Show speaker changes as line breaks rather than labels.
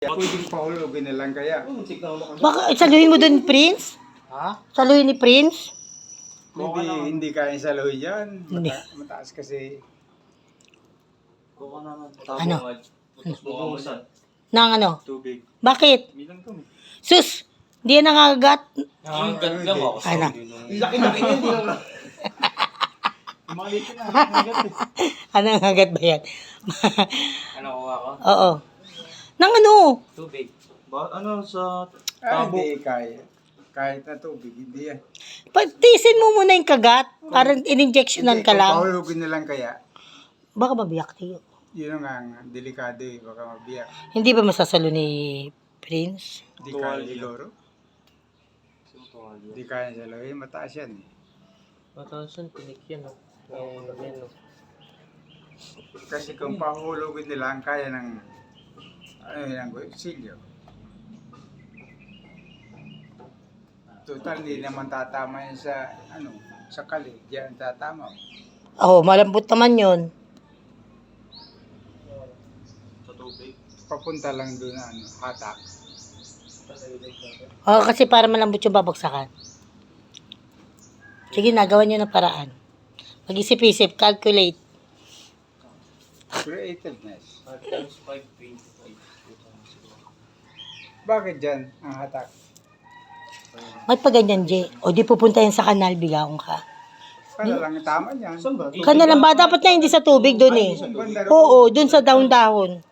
Pwedeng pahulugin na lang kaya.
Baka saluhin mo dun, Prince?
Ha?
Saluhin ni Prince?
Hindi kaya saluhin yan.
Hindi.
Mataas kasi.
Ano? Nang ano?
Tubig.
Bakit?
Bilang kami.
Sus! Hindi yan nangagat.
Hanggang lang ako.
Ano?
Laki-laki niya, hindi lang. Maliit na.
Ano nangagat ba yan?
Ano kuha ko?
Oo. Nang ano?
Tubig. Ano sa
Hindi kaya. Kahit na tubig, hindi yan.
Tiisin mo muna yung kagat. Parang in-injectionan ka lang.
Pahulugin na lang kaya.
Baka mabiyak tayo.
Yun ang delikado eh. Baka mabiyak.
Hindi ba masasalo ni Prince?
Hindi kaya siguro. Hindi kaya saluhin. Mataas yan eh.
Matasan, tinik yan.
Kasi kung pahulugin nila ang kaya ng silyo. Total, hindi naman tatama yan sa kali. Diyan tatama.
Oo, malambot naman yun.
Sa tubig.
Papunta lang doon hatak.
Oo, kasi para malambot yung babagsakan. Sige, nagawa nyo ng paraan. Mag-isip-isip, calculate.
Creativeness.
5 times 5, 25.
Bakit dyan ang hatak?
Ba't pa ganyan, Jay? O di pupunta yan sa kanal, bigaong ka.
Para lang tama yan.
Kanal lang ba? Dapat na hindi sa tubig doon eh. Oo, doon sa dahon-dahon.